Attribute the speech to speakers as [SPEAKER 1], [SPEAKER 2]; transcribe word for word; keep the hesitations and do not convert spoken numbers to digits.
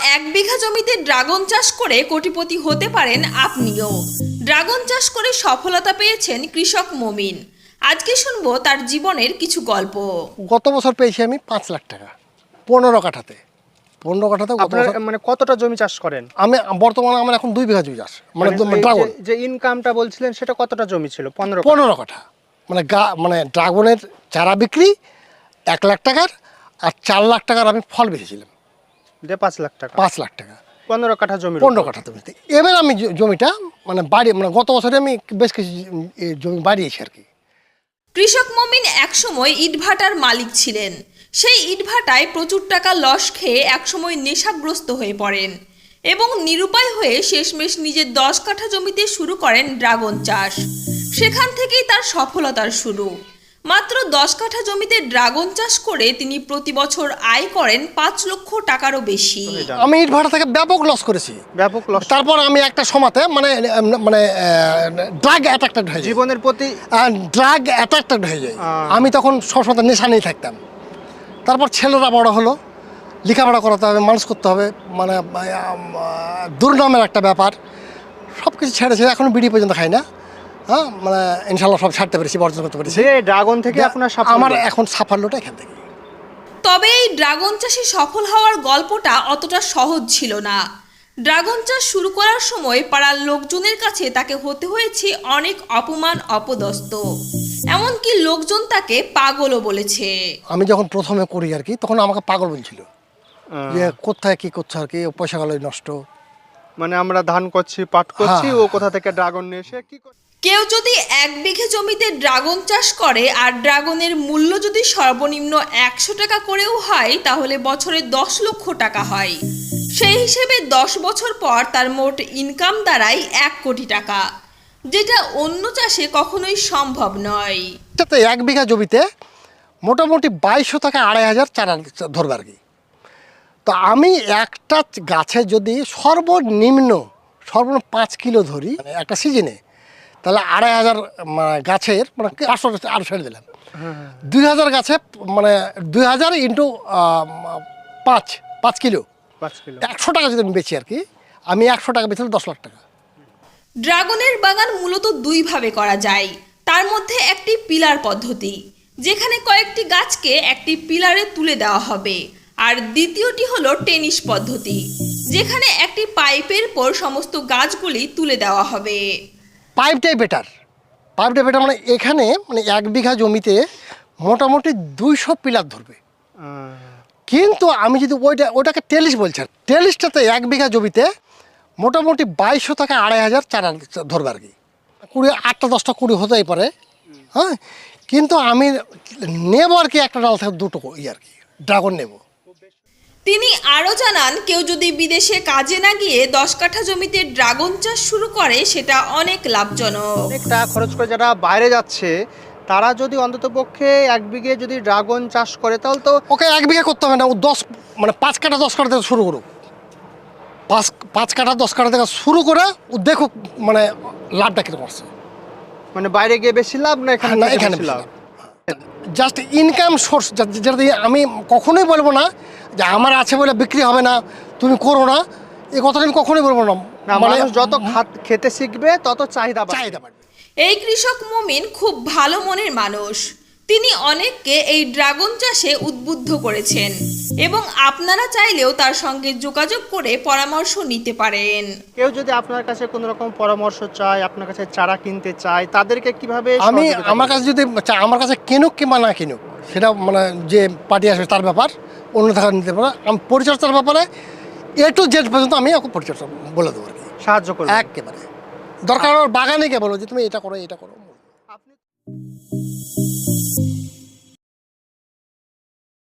[SPEAKER 1] এক বিঘা জমিতে ড্রাগন চাষ করে কোটিপতি হতে পারেন আপনিও। ড্রাগন চাষ করে সফলতা পেয়েছেন কৃষক মমিন। আজকে শুনবো তার জীবনের কিছু গল্প।
[SPEAKER 2] গত বছর পেয়েছি আমি পাঁচ লাখ টাকা পনেরো কাঠাতে পনেরো কাঠাতে গত
[SPEAKER 3] আপনার
[SPEAKER 2] বছর-
[SPEAKER 3] মানে কতটা জমি চাষ করেন?
[SPEAKER 2] আমি বর্তমানে আমার এখন দুই বিঘা জমি চাষ মানে
[SPEAKER 3] মানে এই
[SPEAKER 2] ড্রাগন
[SPEAKER 3] যে- যে ইনকামটা বলছিলেন সেটা কতটা জমি ছিল? পনেরো
[SPEAKER 2] পনেরো কাঠা মানে গা মানে ড্রাগনের চারা বিক্রি এক লাখ টাকার আর চার লাখ টাকার আমি ফল বেঁচেছিলাম
[SPEAKER 3] দিয়ে পাঁচ লাখ টাকা
[SPEAKER 2] পাঁচ লাখ টাকা
[SPEAKER 3] পনেরো কাঠা জমি।
[SPEAKER 2] পনেরো কাঠা জমিতে। এবার আমি জ- জমিটা মানে বাড়ি মানে গত বছরে আমি বেশ কিছু জ- এ জমি বাড়িয়েছি আর কি।
[SPEAKER 1] কৃষক মমিন একসময় ইটভাটার মালিক ছিলেন। সেই ইটভাটায় প্রচুর টাকা লস খেয়ে একসময় নেশাগ্রস্ত হয়ে পড়েন এবং নিরুপায় হয়ে শেষমেশ নিজের দশ কাঠা জমিতে শুরু করেন ড্রাগন চাষ। সেখান থেকেই তার সফলতার শুরু। মাত্র দশ কাঠা জমিতে ড্রাগন চাষ করে তিনি প্রতি বছর আয় করেন পাঁচ লক্ষ টাকারও বেশি।
[SPEAKER 2] আমি ইট ভাটা থেকে ব্যাপক লস করেছি।
[SPEAKER 3] ব্যাপক লস।
[SPEAKER 2] তারপর আমি একটা সময়তে মানে মানে ড্রাগ অ্যাট্রাক্টেড হয়ে যাই
[SPEAKER 3] জীবনের প্রতি
[SPEAKER 2] ড্রাগ অ্যাট্রাক্টেড হয়ে যায়।
[SPEAKER 3] আহ।
[SPEAKER 2] আমি তখন সবসময় নেশা নিয়ে থাকতাম। তারপর ছেলেরা বড় হলো, লেখাপড়া করাতে হবে, মানুষ করতে হবে, মানে আম, দুর্নামের একটা ব্যাপার। সব কিছু ছেড়েছে, এখন বিড়ি পর্যন্ত খাই না। হ্যাঁ মানে ইনশাল্লাহ সব ছাড়তে পেরেছি, বর্জন করতে পেরেছি।
[SPEAKER 3] যে ড্রাগন থেকে আপনার সাফল্য।
[SPEAKER 2] আমার এখন সাফল্যটা এখান থেকে।
[SPEAKER 1] তবে এই ড্রাগন চাষে সফল হওয়ার গল্পটা অতটা সহজ ছিল না। ড্রাগন চাষ শুরু করার সময় পাড়ার লোকজনের কাছে তাকে হতে হয়েছে অনেক অপমান অপদস্থ, এমনকি লোকজন তাকে পাগলও বলেছে।
[SPEAKER 2] আমি যখন প্রথমে করি আর কি, তখন আমাকে পাগল বলছিল
[SPEAKER 3] আহ,
[SPEAKER 2] যে কোথায় কি করছো আর কি, পয়সা গেল নষ্ট।
[SPEAKER 3] মানে আমরা ধান করছি, পাট করছি,
[SPEAKER 2] হ্যাঁ।
[SPEAKER 3] ও কোথা থেকে ড্রাগন নিয়ে এসে কি করে?
[SPEAKER 1] কেউ যদি এক বিঘে জমিতে ড্রাগন চাষ করে আর ড্রাগনের মূল্য যদি সর্বনিম্ন একশো টাকা করেও হয়, তাহলে বছরে দশ লক্ষ টাকা হয়। সেই হিসেবে দশ বছর পর তার মোট ইনকাম দাঁড়ায় এক কোটি টাকা, যেটা অন্য চাষে কখনোই সম্ভব নয়।
[SPEAKER 2] এটাতে এক বিঘা জমিতে মোটামুটি বাইশশো থেকে আড়াই হাজার চারা ধরবে আর কি। তো আমি একটা গাছে যদি সর্বনিম্ন সর্বনিম্ন পাঁচ কিলো ধরি মানে একটা সিজনে, তাহলে আড়াই হাজার মানে গাছের মানে পাঁচশো আরও ছেড়ে দিলাম, দুই হাজার গাছে মানে দুই হাজার ইন্টু পাঁচ পাঁচ কিলো
[SPEAKER 3] পাঁচ কিলো।
[SPEAKER 2] একশো টাকা যদি আমি বেচি আর কি, আমি একশো টাকা বেচলে দশ লাখ টাকা।
[SPEAKER 1] ড্রাগনের বাগান মূলত দুইভাবে করা যায়। তার মধ্যে একটি পিলার পদ্ধতি, যেখানে কয়েকটি গাছকে একটি পিলারে তুলে দেওয়া হবে, আর দ্বিতীয়টি হলো টেনিস পদ্ধতি, যেখানে একটি পাইপের পর সমস্ত গাছগুলি তুলে দেওয়া হবে।
[SPEAKER 2] পাইপটাই বেটার, পাইপটাই বেটার মানে এখানে মানে এক বিঘা জমিতে মোটামুটি দুইশো পিলার ধরবে।
[SPEAKER 3] আহ,
[SPEAKER 2] কিন্তু আমি যদি ওইটা ওটাকে টেলিস বলছি, টেলিসটাতে এক বিঘা জমিতে মোটামুটি বাইশশো থেকে আড়াই হাজার চারা ধরবে আর কি। কুড়ি আটটা দশটা কুড়ি হতেই পারে, হ্যাঁ। কিন্তু আমি নেবো আর কি একটা ডাল থেকে দুটো ই আর কি ড্রাগন নেব।
[SPEAKER 1] তিনি আরও জানান, কেউ যদি বিদেশে কাজে না গিয়ে দশ কাঠা জমিতে ড্রাগন চাষ শুরু করে, সেটা অনেক লাভজনক।
[SPEAKER 3] অনেক টাকা খরচ করে যারা বাইরে যাচ্ছে, তারা যদি অন্তত পক্ষে এক বিঘে যদি ড্রাগন চাষ করে, তাহলে তো
[SPEAKER 2] ওকে এক বিঘা করতে হবে না, ও দশ মানে পাঁচ কাঠা দশ কাঠা থেকে শুরু করুক, পাঁচ পাঁচ কাঠা দশ কাঠা থেকে শুরু করে ও দেখুক মানে লাভটা কীরকম আসছে।
[SPEAKER 3] মানে বাইরে গিয়ে বেশি লাভ না এখানে
[SPEAKER 2] না
[SPEAKER 3] থেকে
[SPEAKER 2] এখানে
[SPEAKER 3] বেশি লাভ?
[SPEAKER 2] জাস্ট ইনকাম সোর্স, যেটা দিয়ে আমি কখনোই বলবো না যে আমার আছে বলে বিক্রি হবে না, তুমি করো না, এই কথাটা আমি কখনোই বলবো না।
[SPEAKER 3] না,
[SPEAKER 2] মানে
[SPEAKER 3] মানুষ যত খাত- খেতে শিখবে তত চাহিদা বাড়বে।
[SPEAKER 2] চাহিদা বাড়বে।
[SPEAKER 1] এই কৃষক মুমিন খুব ভালো মনের মানুষ। তিনি অনেককে এই ড্রাগন চাষে উদ্বুদ্ধ করেছেন এবং আপনারা চাইলেও তার সঙ্গে যোগাযোগ করে পরামর্শ নিতে পারেন।
[SPEAKER 3] কেউ যদি আপনার কাছে কোনো রকম পরামর্শ চায়, আপনার কাছে চারা কিনতে চায়, তাদেরকে কিভাবে
[SPEAKER 2] আমি
[SPEAKER 3] সহযোগিতা
[SPEAKER 2] আমার
[SPEAKER 3] করবেন?
[SPEAKER 2] কাছে যদি চা- আমার কাছে কিনুক কিংবা না কিনুক, সেটা মানে যে পার্টি আসবে তার ব্যাপার, অন্য টাকা নিতে পারে। আমি পরিচর্যার ব্যাপারে এ টু জেড পর্যন্ত আমি ওকে পরিচর্যা বলে দেবো আর কি,
[SPEAKER 3] সাহায্য করবেন?
[SPEAKER 2] একেবারে। দরকার হলে বাগানে গিয়ে বলো যে তুমি এটা করো এটা করো।